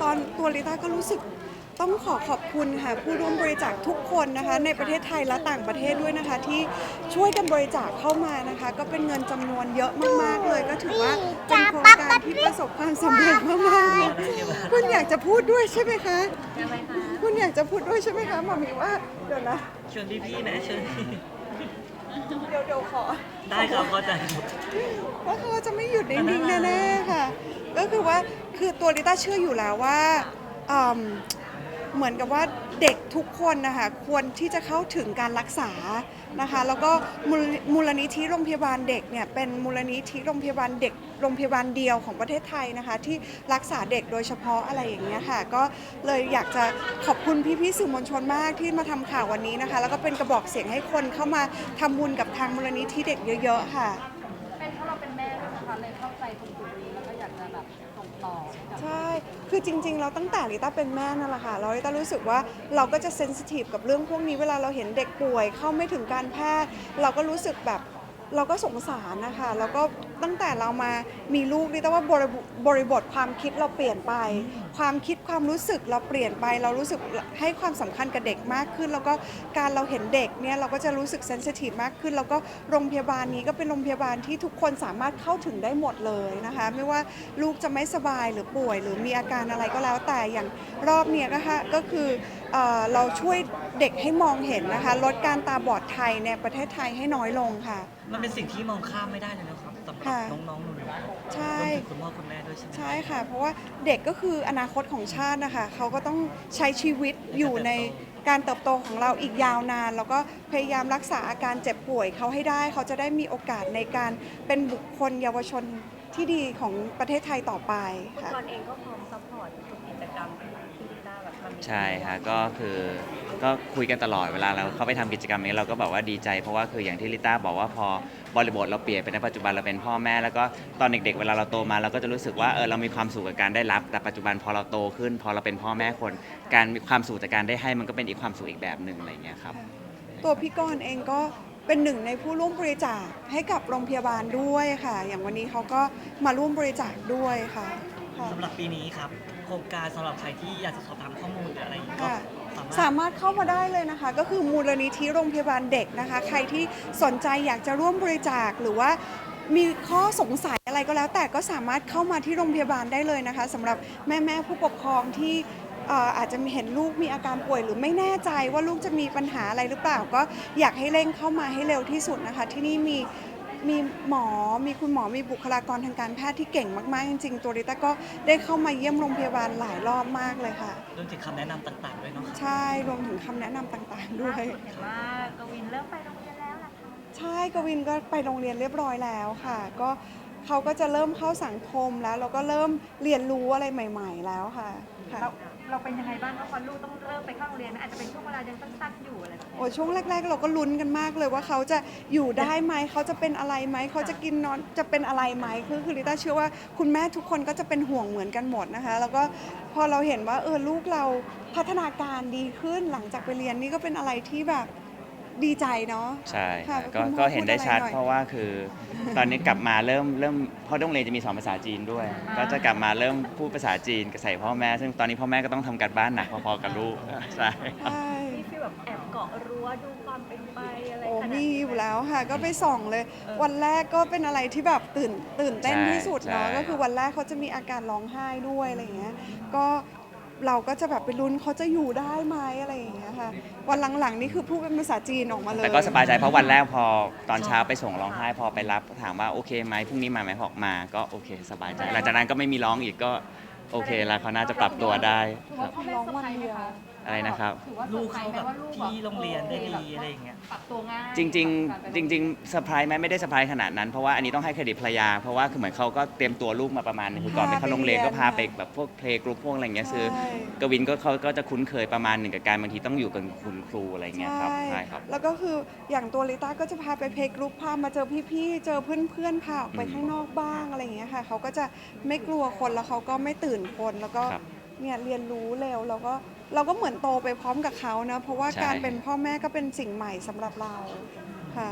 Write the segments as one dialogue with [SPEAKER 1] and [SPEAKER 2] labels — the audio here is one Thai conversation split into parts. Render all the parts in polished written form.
[SPEAKER 1] ตัวลิต้าก็รู้สึกต้องขอบคุณค่ะผู้ร่วมบริจาคทุกคนนะคะในประเทศไทยและต่างประเทศด้วยนะคะที่ช่วยกันบริจาคเข้ามานะคะก็เป็นเงินจำนวนเยอะมากๆเลยก็ถือว่าเป็นโครงการที่ประสบความสำเร็จมากๆเลยคุณอยากจะพูดด้วยใช่ไหมคะคุณอยากจะพูดด้วยใช่ไหมคะหมอมีว่าเดี๋ยวนะ
[SPEAKER 2] ชวนพี่ๆนะชวนพี่
[SPEAKER 1] เดี๋ยวขอ
[SPEAKER 2] ได้ครับเข้าใจครับ
[SPEAKER 1] ว่าเขาจะไม่หยุดนิ่งๆแน่ๆค่ะก็คือว่าคือตัวลิต้าเชื่ออยู่แล้วว่าเหมือนกับว่าเด็กทุกคนนะคะควรที่จะเข้าถึงการรักษานะคะแล้วก็มูลนิธิโรงพยาบาลเด็กเนี่ยเป็นมูลนิธิโรงพยาบาลเด็กโรงพยาบาลเดียวของประเทศไทยนะคะที่รักษาเด็กโดยเฉพาะอะไรอย่างเงี้ยค่ะก็เลยอยากจะขอบคุณพี่ๆสื่อมวลชนมากที่มาทำข่าววันนี้นะคะแล้วก็เป็นกระบอกเสียงให้คนเข้ามาทำบุญกับทางมูลนิธิเด็กเยอะๆค่ะ
[SPEAKER 3] เป็นเพราะเราเป็นแม่ด้วยนะคะเลยเข้าใจตรงจุดนี้แล้วก็อยากจะแบบส่งต่อ
[SPEAKER 1] ใช่คือจริงๆเราตั้งแต่ลิต้าเป็นแม่นั่นแหละค่ะเราลิต้ารู้สึกว่าเราก็จะเซนซิทีฟกับเรื่องพวกนี้เวลาเราเห็นเด็กป่วยเข้าไม่ถึงการแพทย์เราก็รู้สึกแบบเราก็สงสารนะคะแล้วก็ตั้งแต่เรามามีลูกลิต้าว่าบริบทความคิดเราเปลี่ยนไปความคิดความรู้สึกเราเปลี่ยนไปเรารู้สึกให้ความสำคัญกับเด็กมากขึ้นแล้วก็การเราเห็นเด็กเนี่ยเราก็จะรู้สึกเซนซิทีฟมากขึ้นแล้วก็โรงพยาบาลนี้ก็เป็นโรงพยาบาลที่ทุกคนสามารถเข้าถึงได้หมดเลยนะคะไม่ว่าลูกจะไม่สบายหรือป่วยหรือมีอาการอะไรก็แล้วแต่อย่างรอบเนี้ยก็คือเราช่วยเด็กให้มองเห็นนะคะลดการตาบอดไทยในประเทศไทยให้น้อยลงค่ะ
[SPEAKER 2] มันเป็นสิ่งที่มองข้ามไม่ได้เลยนะครับสำหรับน้องๆหนูๆ
[SPEAKER 1] ใช่
[SPEAKER 2] รวมถึงคุณพ่อคุณแม่ด้วยใช่ไหม
[SPEAKER 1] ใช่ค่ะเพราะว่าเด็กก็คืออนาคตของชาตินะคะเขาก็ต้องใช้ชีวิตอยู่ในการเติบโตของเราอีกยาวนานแล้วก็พยายามรักษาอาการเจ็บป่วยเขาให้ได้เขาจะได้มีโอกาสในการเป็นบุคคลเยาวชนที่ดีของประเทศไทยต่อไปค่ะ
[SPEAKER 3] ตอนเองก็พร้อมซัพพอร์ตทุกกิจกรรมที่ลิต้าแบบทำ
[SPEAKER 4] ใช่ค่ะก็คือก็คุยกันตลอดเวลาเราเข้าไปทำกิจกรรมนี้เราก็แบบว่าดีใจเพราะว่าคืออย่างที่ลิต้าบอกว่าพอบริบทเราเปลี่ยนไปในปัจจุบันเราเป็นพ่อแม่แล้วก็ตอนเด็กๆเวลาเราโตมาเราก็จะรู้สึกว่าเรามีความสุขกับการได้รับแต่ปัจจุบันพอเราโตขึ้นพอเราเป็นพ่อแม่คนการมีความสุขจากการได้ให้มันก็เป็นอีกความสุขอีกแบบหนึ่งอะไรอย่างเงี้ยครับ
[SPEAKER 1] ตัวพี่กรณ์เองก็เป็นหนึ่งในผู้ร่วมบริจาคให้กับโรงพยาบาลด้วยค่ะอย่างวันนี้เขาก็มาร่วมบริจาคด้วยค่ะ
[SPEAKER 2] สำหรับปีนี้ครับโครงการสำหรับใครที่อยากจะสอบถามข้อมูลหรืออะไรอย่างเงี้ยก็
[SPEAKER 1] สามารถเข้ามาได้เลยนะคะก็คือมูลนิธิโรงพยาบาลเด็กนะคะใครที่สนใจอยากจะร่วมบริจาคหรือว่ามีข้อสงสัยอะไรก็แล้วแต่ก็สามารถเข้ามาที่โรงพยาบาลได้เลยนะคะสำหรับแม่ผู้ปกครองที่อาจจะเห็นลูกมีอาการป่วยหรือไม่แน่ใจว่าลูกจะมีปัญหาอะไรหรือเปล่าก็อยากให้เร่งเข้ามาให้เร็วที่สุดนะคะที่นี่มีหมอมีคุณหมอมีบุคลากรทางการแพทย์ที่เก่งมากๆจริงๆตัวริต้าก็ได้เข้ามาเยี่ยมโรงพยาบาลหลายรอบมากเลยค่ะ
[SPEAKER 2] รวมถึงคำแนะนำต่างๆด้วยเนาะ
[SPEAKER 1] ใช่รวมถึงคำแนะนำต่างๆด้วย
[SPEAKER 3] เห็นว่ากวินเริ่มไปโรงเรียนแล้วล่ะคะ
[SPEAKER 1] ใช่กวินก็ไปโรงเรียนเรียบร้อยแล้วค่ะก็เขาก็จะเริ่มเข้าสังคมแล้วเราก็เริ่มเรียนรู้อะไรใหม่ๆแล้วค่ะ
[SPEAKER 3] เราเป็นยังไงบ้างพอลูกต้องเริ่มไปเข้าโรงเรียนอาจจะเป็นช่วงเวลายังสั้นๆอยู่อะไรแบบนี้
[SPEAKER 1] โอ้ช่วงแรกๆเราก็ลุ้นกันมากเลยว่าเขาจะอยู่ได้ไหมเขาจะเป็นอะไรไหมเขาจะกินนอนจะเป็นอะไรไหมคือลิต้าเชื่อว่าคุณแม่ทุกคนก็จะเป็นห่วงเหมือนกันหมดนะคะแล้วก็พอเราเห็นว่าลูกเราพัฒนาการดีขึ้นหลังจากไปเรียนนี่ก็เป็นอะไรที่แบบดีใจเนาะ
[SPEAKER 4] ใช่ก็เห็นได้ชัดเพราะว่าคือตอนนี้กลับมาเริ่มเพราะโรงเรียนจะมีสอนภาษาจีนด้วยก็จะกลับมาเริ่มพูดภาษาจีนกับใส่พ่อแม่ซึ่งตอนนี้พ่อแม่ก็ต้องทำการบ้านหนักพอๆกับลูกใช่
[SPEAKER 3] มีฟีลแบบแอบเกาะรั้วดูความเป็นไปอะไร
[SPEAKER 1] โอ้
[SPEAKER 3] ขนาด
[SPEAKER 1] มี
[SPEAKER 3] นี้
[SPEAKER 1] อยู่แล้วค่ะก็ไปส่องเลยวันแรกก็เป็นอะไรที่แบบตื่นเต้นที่สุดเนาะก็คือวันแรกเขาจะมีอาการร้องไห้ด้วยอะไรอย่างเงี้ยก็เราก็จะแบบไปลุ้นเขาจะอยู่ได้ไหมอะไรอย่างเงี้ยค่ะวันหลังๆนี่คือพูดเป็นภาษาจีนออกมาเลย
[SPEAKER 4] แต่ก็สบายใจเพราะวันแรกพอตอนเช้าไปส่งร้องไห้พอไปรับถามว่าโอเคไหมพรุ่งนี้มาไหมบอกมาก็โอเคสบายใจหลังจากนั้นก็ไม่มีร้องอีกก็โอเคแล้วเขาน่าจะปรับตัวได้ครับ
[SPEAKER 1] ร้องวันเดียว
[SPEAKER 4] อะไรนะครับ
[SPEAKER 2] ลูกเขาแบบที่โรงเรียนได้ดีอะไรอย่างเงี้ย
[SPEAKER 3] ปรับตัวง่าย
[SPEAKER 4] จริงเซอร์ไพรส์ไหมไม่ได้เซอร์ไพรส์ขนาดนั้นเพราะว่าอันนี้ต้องให้เครดิตภรรยาเพราะว่าคือเหมือนเขาก็เตรียมตัวลูกมาประมาณนึงคือก่อนไปเข้าโรงเรียนก็พาไปแบบพวกเพลย์กรุ๊ปพวกอะไรเงี้ยคือกวินก็เขาก็จะคุ้นเคยประมาณหนึ่งกับการบางทีต้องอยู่กับคุณครูอะไรเงี้ยครับใช่ครับ
[SPEAKER 1] แล้วก็คืออย่างตัวลิต้าก็จะพาไปเพลย์กรุ๊ปพามาเจอพี่ๆเจอเพื่อนๆพาออกไปข้างนอกบ้างอะไรอย่างเงี้ยค่ะเขาก็จะไม่กลัวคนแล้วเขาก็ไม่ตื่นคนแล้วก็เนี่ยเรียนรู้เร็วแล้วก็เราก็เหมือนโตไปพร้อมกับเขานะเพราะว่าการเป็นพ่อแม่ก็เป็นสิ่งใหม่สำหรับเราค่ะ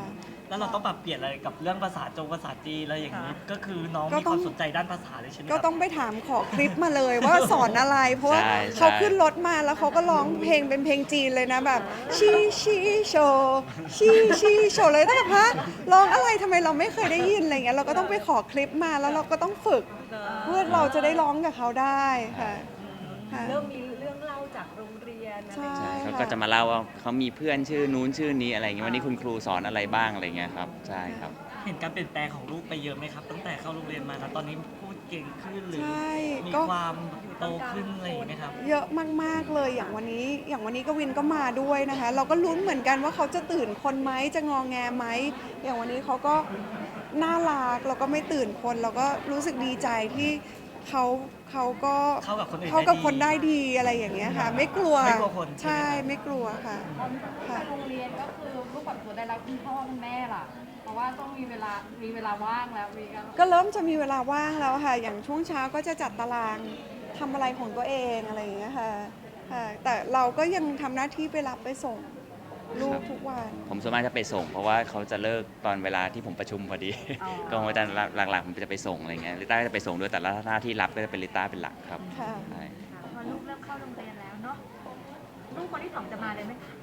[SPEAKER 2] แล้วเราต้องปรับเปลี่ยนอะไรกับเรื่องภาษาภาษาจีนอะไรอย่างนี้ ก็คือน้อง
[SPEAKER 1] ก็
[SPEAKER 2] มี
[SPEAKER 1] ต้
[SPEAKER 2] ค
[SPEAKER 1] อง
[SPEAKER 2] วามสนใจด้านภาษาเลยใช่ไหมค
[SPEAKER 1] ก็
[SPEAKER 2] รับ
[SPEAKER 1] ต้องไปถามขอคลิปมาเลยว่าสอนอะไร เพราะว่า
[SPEAKER 4] ใช่
[SPEAKER 1] เขาขึ้นรถมาแล้วเขาก็ร้องเพลงเป็นเพลงจีนเลยนะแบบชีชีโชชีชีโชเลยแต่แบบฮะร้องอะไรทำไมเราไม่เคยได้ยินอะไรเงี้ยเราก็ต้องไปขอคลิปมาแล้วเราก็ต้องฝึก เพื่อเราจะได้ร้องกับเขาได้ค่ะค่ะ
[SPEAKER 3] เริ่มมีเรื่องเล่าจากโรงเรียนอะไรอย่าง
[SPEAKER 1] ใช่
[SPEAKER 3] เงี้ย
[SPEAKER 4] เขา
[SPEAKER 1] ค่ะ
[SPEAKER 4] ก็จะมาเล่าว่าเขามีเพื่อนชื่อนู้นชื่อนี้อะไรเงี้ยวันนี้คุณครูสอนอะไรบ้างอะไรเงี้ยครับใช่ครับ
[SPEAKER 2] เห็นการเปลี่ยนแปลงของลูกไปเยอะไหมครับ ตั้งแต่เข้าโรงเรียนมาแล้วตอนนี้พูดเก่งขึ้นหรือ
[SPEAKER 1] ใช่
[SPEAKER 2] มี
[SPEAKER 1] ก็
[SPEAKER 2] ความโตขึ้นอะไรอย่างนี้ไหมครับ
[SPEAKER 1] เยอะมากๆเลยอย่างวันนี้กวินก็มาด้วยนะคะ เราก็ลุ้นเหมือนกันว่าเขาจะตื่นคนไหมจะงอแงไหมอย่างวันนี้เขาก็น่ารักเราก็ไม่ตื่นคนเราก็รู้สึกดีใจที่เขาก็
[SPEAKER 2] เข้ากับคนอื่น
[SPEAKER 1] เข้ากับ
[SPEAKER 2] ได้ดี
[SPEAKER 1] คนได้ดีอะไรอย่างเงี้ยค่ะ ไม่กลัว
[SPEAKER 2] ไม่กลัวคน
[SPEAKER 1] ใช่
[SPEAKER 2] ใช่ไหมครับ
[SPEAKER 1] ไม่กลัวค่ะค่ะ
[SPEAKER 5] โรงเรียนก็คือลูกปรับตัวได้แล้วคุณพ่อคุณแม่ล่ะ เพราะว่าต้องมีเวลาว่างแล้วมีกัน
[SPEAKER 1] ก็เริ่มจะมีเวลาว่างแล้วค่ะ อย่างช่วงเช้าก็จะจัดตารางทำอะไรของตัวเองอะไรอย่างเงี้ยค่ะค่ะ แต่เราก็ยังทำหน้าที่ไปรับไปส่งลูกทุกวัน
[SPEAKER 4] ผมส่วนมากจะไปส่งเพราะว่าเขาจะเลิกตอนเวลาที่ผมประชุมพอดี ก็ผมจะหลักๆผมจะไปส่งอะไรเงี้ยลิต้าก็จะไปส่งด้วยแต่ละหน้าที่รับก็จะเป็นลิต้าเป็นหลักครับ
[SPEAKER 1] ค่ะ
[SPEAKER 4] ใช่
[SPEAKER 3] พอลูกเริ่มเข้าโรงเรียนแล้วเนาะลูกคนที่สองจะมาเลยไหมคะ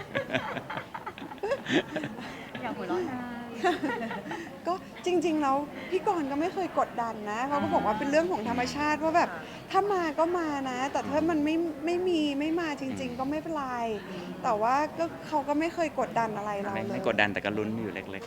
[SPEAKER 3] อยากหัวเราะนาย
[SPEAKER 1] ก็จริงๆแล้วพี่กรณ์ก็ไม่เคยกดดันนะเขาก็บอกว่าเป็นเรื่องของธรรมชาติว่าแบบถ้ามาก็มานะ แต่ถ้ามันไม่มาจริง ๆ ก็ไม่เป็นไรแต่ว่าก็เขาก็ไม่เคยกดดันอะไรเรา
[SPEAKER 4] ไม่
[SPEAKER 1] เลย
[SPEAKER 4] ไม่กดดันแต่ก็ลุ้นอยู่เล็ก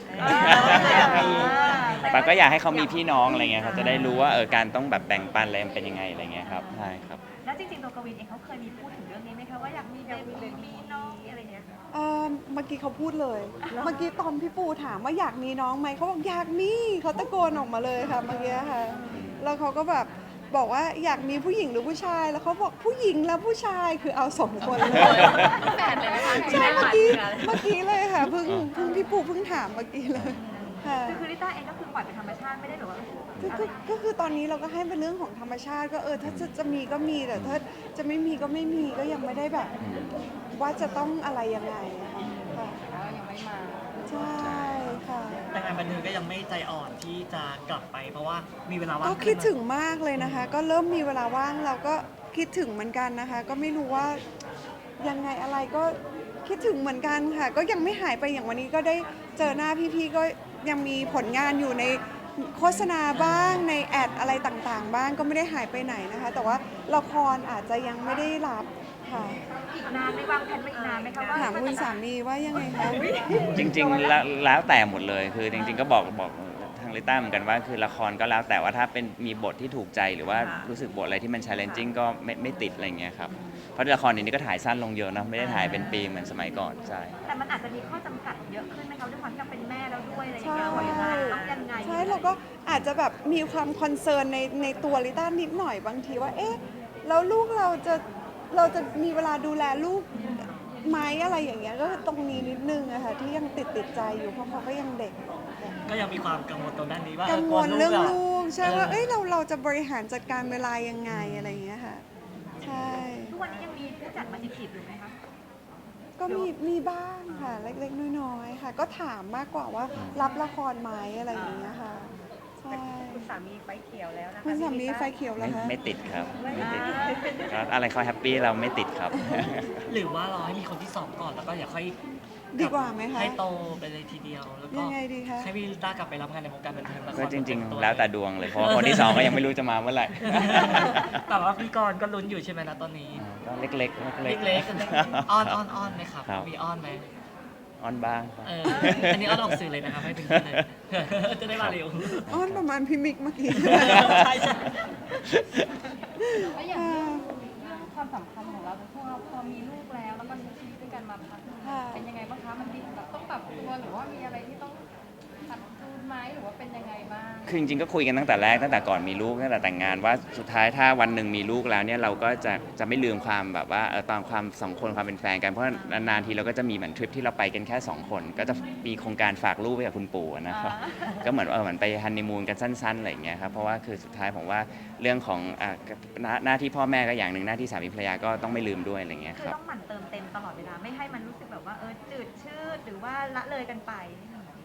[SPEAKER 3] แต่
[SPEAKER 4] ๆแต่ก็อยากให้เขามีพี่น้องอะไรเงี้ยเขาจะได้รู้ว่าการต้องแบบแบ่งปันอะไรมันเป็นยังไงอะไรเงี้ยครับใช่ครับ
[SPEAKER 3] แล้วจริงๆตัวกวินเองเขาเคยมีพูดถึงเรื่องนี้ไหมคะว่าอยากมีเบบีมีน้องอะไรเงี้ย
[SPEAKER 1] เมื่อกี้เขาพูดเลย เมื่อกี้ตอนพี่ปูถามว่าอยากมีน้องไหมเขาบอกอยากมีเขาตะโกนออกมาเลยค่ะเมื่อกี้ค่ะแล้วเขาก็แบบบอกว่าอยากมีผู้หญิงหรือผู้ชาย แล้วเขาบอกผู้หญิงแล้วผู้ชายคือเอาสองคนเลย
[SPEAKER 5] แปดเลยไหมคะ
[SPEAKER 1] ใช่เมื่อกี้เลยค่ะเพิ่งพี่ปูเพิ่งถามเมื่อกี้เลยค่ะ
[SPEAKER 3] คือลิต้าเองก็คือปล่อยเป็นธรรมชาติไม่ได้หรือว่า
[SPEAKER 1] ก็คือตอนนี้เราก็ให้เป็นเรื่องของธรรมชาติก็ถ้าจะมีก็มีแต่ถ้าจะไม่มีก็ไม่มีก็ยังไม่ได้แบบ ว่าจะต้องอะไรยังไงอะค่ะค่ะ
[SPEAKER 5] ว่ายังไม่มา
[SPEAKER 1] ใช่ค่ะ
[SPEAKER 2] แต่งานบันเทิงก็ยังไม่ใจอ่อนที่จะกลับไป เพราะว่ามีเวลาว่าง
[SPEAKER 1] ก็คิดถึงมากเลยนะคะ ก็เริ่มมีเวลาว่างเราก็คิดถึงเหมือนกันนะคะ ก็ไม่รู้ว่ายังไงอะไรก็คิดถึงเหมือนกันค่ะ ก็ยังไม่หายไปอย่างวันนี้ก็ได้เจอหน้าพี่ๆก็ยังมีผลงานอยู่ในโฆษณาบ้างในแอดอะไรต่างๆ บ้างก็ไม่ได้หายไปไหนนะคะ แต่ว่าละครอาจจะยังไม่ได้รับค่ะ
[SPEAKER 3] อีกนานไม่วางแผนไปอีกนานไหมคะว่า
[SPEAKER 1] ถามคุณสามีว่ายังไงคะ
[SPEAKER 4] จริงๆแล้วแต่หมดเลยคือจริง ๆ ก็บอกทางลิต้าเหมือนกันว่าคือละครก็แล้วแต่ว่าถ้าเป็นมีบทที่ถูกใจหรือว่ารู้สึกบทอะไรที่มัน challenging ก็ไม่ติดอะไรเงี้ยครับเพราะละครเดี๋ยวนี้ก็ถ่ายสั้นลงเยอะนะไม่ได้ถ่ายเป็นปีเหมือนสมัยก่อนใช่
[SPEAKER 3] แต่มันอาจจะมีข้อจำกัดเยอะขึ้นไหมคะด้วยความที่เราเป็นแม่แล้วด้วยอะไรอย่าง
[SPEAKER 1] ใช่
[SPEAKER 3] เงี้ยต้องยังไง
[SPEAKER 1] ใช่เราก็อาจจะแบบมีความคอนเซิร์นในตัวลิต้านิดหน่อยบางทีว่าเอ๊ะแล้วลูกเราจะมีเวลาดูแลลูกไหมอะไรอย่างเงี้ยก็ตรงนี้นิดนึงอะค่ะที่ยังติดใจอยู่เพราะเขาก็ยังเด็ก
[SPEAKER 2] ก็ยังมีความกังวลตรงด้านนี้ว่า
[SPEAKER 1] กังวลเรื่อง
[SPEAKER 2] ก
[SPEAKER 1] ลูกใช่ว่า
[SPEAKER 2] เออ
[SPEAKER 1] เอ้ยเราจะบริหารจัดการเวลายังไงอะไรอย่างเงี้ยค่ะใช่
[SPEAKER 3] ทุกวันนี้ยังมีผู้จัดมาจีบอยู่ไหมคะ
[SPEAKER 1] ก็มีบ้างค่ะเล็กๆน้อยๆค่ะ ก็ถามมากกว่าว่ารับละครไหมอะไรอย่างเงี้ยค่ะใช่
[SPEAKER 3] คุณสามีไฟเขียวแล้วนะคะ
[SPEAKER 1] คุณสามีไฟเขียวแล้วคะ
[SPEAKER 4] ไม่ติดครับไม่ติดก็อะไรเขาแฮปปี้เราไม่ติดครับ
[SPEAKER 2] หรือว่ารอให้มีคนที่สองก่อนแล้วก็อย่าค่อย
[SPEAKER 1] ดีกว่าไหมคะ
[SPEAKER 2] ให้โตไปเลยทีเดียวแล้วก็
[SPEAKER 1] ยังไงดีคะ
[SPEAKER 2] ให้พี่ลิต้ากลับไปรับงานในวงการบันเทิงละค
[SPEAKER 4] ก็จริง
[SPEAKER 2] เต็ม
[SPEAKER 4] ๆ แล้วแต่ดวงเลยเพราะว่าคนที่สองก็ยังไม่รู้จะมาเมื่อไหร่
[SPEAKER 2] แต่ว่าพี่กรณ์ก็ลุ้นอยู่ใช่ไหมนะตอนนี้
[SPEAKER 4] ก็เล็กๆ
[SPEAKER 2] เล็กๆอ้อนไหมครับ
[SPEAKER 4] ครับ
[SPEAKER 2] มีอ้อนไหม
[SPEAKER 4] อ้อนบ้างครับ
[SPEAKER 2] อันนี้อ้อนออกสื่อเลยนะครับให้ถึงที่เลย จะได้มาเร็ว
[SPEAKER 1] อ้อนประมาณพี่มิกเมื่อกี้
[SPEAKER 2] ใช่ใช่
[SPEAKER 5] แล้วอย่างเรื่องความสัมพันธ์ของเราพอมีลูกแล้วก็ใช้ชีวิตด้วยกันมาพักหนึ่ง
[SPEAKER 1] ค่ะ
[SPEAKER 5] เป็นยังไงบ้างคะมันดีแบบต้องปรับตัวหรือว่ามีอะไรที่ต้องปรับจูนไหมหรือว่าเป็นยังไงบ้าง
[SPEAKER 4] คือจริงๆก็คุยกันตั้งแต่แรกตั้งแต่ก่อนมีลูกตั้งแต่แต่งงานว่าสุดท้ายถ้าวันหนึ่งมีลูกแล้วเนี่ยเราก็จะไม่ลืมความแบบว่าตอนความสองคนความเป็นแฟนกันเพราะนานๆทีเราก็จะมีเหมือนทริปที่เราไปกันแค่2คนก็จะมีโครงการฝากลูกไว้กับคุณปู่นะครับก็เหมือนเหมือนไปฮันนีมูนกันสั้นๆอะไรอย่างเงี้ยครับเพราะว่าคือสุดท้ายผมว่าเรื่องของหน้าที่พ่อแม่ก็อย่างหนึ่งหน้าที่สามีภรรยาก็ต้องไม่ลืมด้วยอะไรอย่างเงี้ย
[SPEAKER 3] คือ
[SPEAKER 4] ครับ
[SPEAKER 3] ต้องหมั่นเติมเต็มตลอดเวลาไม่ให้มันรู้สึกแบบว่าจืดชืดหรือว่าละเลยกันไป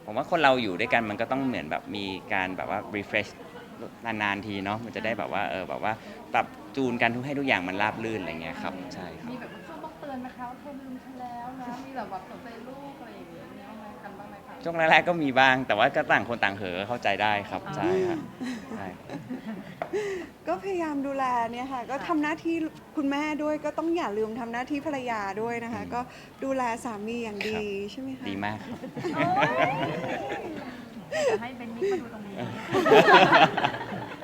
[SPEAKER 4] ผมว่าคนเราอยู่ด้วยกันมันก็ต้องเหมือนแบบมีการแบบว่า refresh นานๆทีเนาะมันจะได้แบบว่าแบบว่าปรับจูนกันให้ทุกอย่างมันราบรื่นอะไรเงี้ยครับใช่ครับ
[SPEAKER 5] มีแบบช่วงต้องเตือนไหมคะว่าเธอลืมฉันแล้วนะมีแบบสนใจลูกอะไรอย่างเงี้ยมีบ้างไหมกันบ้างไหมคะ
[SPEAKER 4] ช่วงแรกๆก็มีบ้างแต่ว่าก็ต่างคนต่างเหอะเข้าใจได้ครับใช่ครับใช่
[SPEAKER 1] ก็พยายามดูแลเนี่ยค่ะ ก็ทำหน้าที่คุณแม่ด้วยก็ต้องอย่าลืมทำหน้าที่ภรรยาด้วยนะคะ ก็ดูแลสามีอย่างดีใช่ไหมคะ
[SPEAKER 4] ดีมากครับ
[SPEAKER 3] เดี๋ยวให้เบนมิกมาดูตรงนี้